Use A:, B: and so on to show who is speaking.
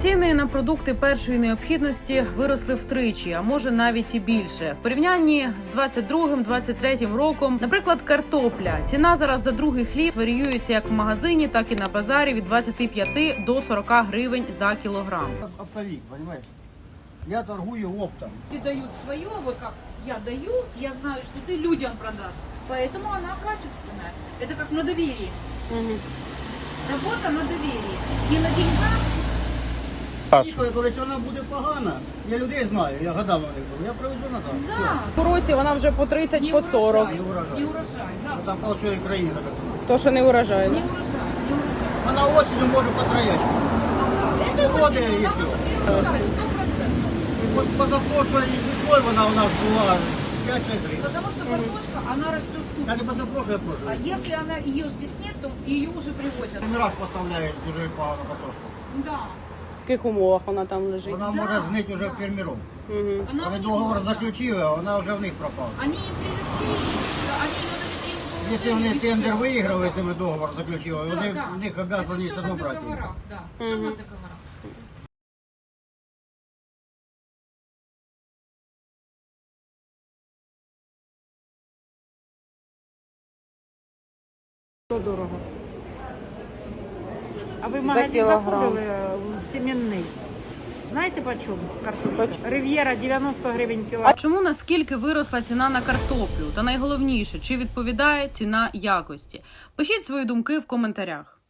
A: Ціни на продукти першої необхідності виросли втричі, а може навіть і більше. В порівнянні з 22-23 роком, наприклад, картопля. Ціна зараз за другий хліб варіюється як в магазині, так і на базарі від 25 до 40 гривень за кілограм.
B: Оптовик, понимаешь? Я торгую оптом.
C: Ты дают свое, вот как я даю, я знаю, что ты людям продашь. Поэтому она качественная. Это как на доверии. Работа на доверии. Не на деньгах.
B: Коли вона буде погана, я людей знаю, я гадав на них був, я привезу назад.
C: Да.
D: В році вона вже по 30, по 40.
B: Не урожай.
C: Не урожай. Завтра.
B: Там по всій Україні така ціна.
D: То, що не урожай.
C: Не урожай. Не урожай.
B: Вона осінню може потрояти.
C: Это
B: Погода
C: очень,
B: есть.
C: нам нужно урожай, 100%.
B: Позапрошлої весною вона у нас була 5-6 гривень.
C: Потому что картошка, она растет тут.
B: Та не позапрошлої, а
C: А
B: прошлої.
C: если она ее здесь нет, то ее уже привозят.
B: Не раз поставляють дуже погано картошку.
C: Да.
D: В яких умовах вона там лежить?
B: Вона
C: Да,
B: може знити вже
C: да.
B: фермером.
C: Она
B: Вони
C: не
B: договор
C: может, да.
B: заключили, а вона вже в них пропала.
C: Они им привезли, они ее навезли в
B: Якщо вони
C: положение, и
B: тендер
C: всё.
B: виіграли, з ними договор заключили,
C: Да,
B: вони
C: да.
B: в них
C: Это
B: обов'язані
C: всё
B: все одно
C: на
B: брати.
C: договорах, да. Всё на договорах.
E: Дорого. А ви в
D: За
E: магазин
D: кілограм.
E: заходили в сімінний? Знаєте по чому картошка? Рив'єра 90 гривень
A: А
E: кілограм.
A: чому наскільки виросла ціна на картоплю? Та найголовніше, чи відповідає ціна якості? Пишіть свої думки в коментарях.